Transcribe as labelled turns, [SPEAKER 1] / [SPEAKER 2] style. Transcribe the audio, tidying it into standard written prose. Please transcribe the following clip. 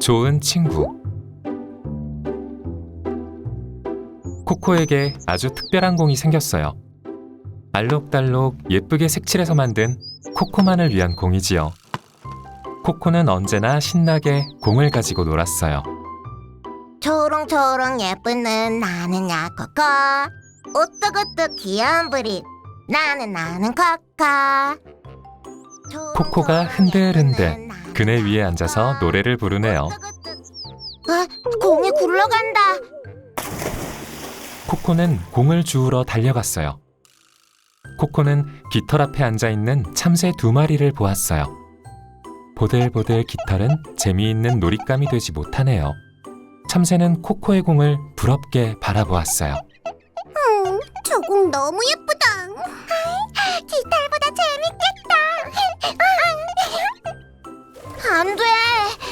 [SPEAKER 1] 좋은 친구. 코코에게 아주 특별한 공이 생겼어요. 알록달록 예쁘게 색칠해서 만든 코코만을 위한 공이지요. 코코는 언제나 신나게 공을 가지고 놀았어요.
[SPEAKER 2] 초롱초롱 예쁜 눈 나는야 코코, 오뚝오뚝 귀여운 브릿 나는 코코.
[SPEAKER 1] 코코가 흔들흔들 그네 위에 앉아서 노래를 부르네요.
[SPEAKER 2] 공이 굴러간다.
[SPEAKER 1] 코코는 공을 주우러 달려갔어요. 코코는 깃털 앞에 앉아있는 참새 2마리를 보았어요. 보들보들 깃털은 재미있는 놀잇감이 되지 못하네요. 참새는 코코의 공을 부럽게 바라보았어요.
[SPEAKER 2] 저 공 너무 예쁘다. 깃털보다 재밌겠다. 안 돼.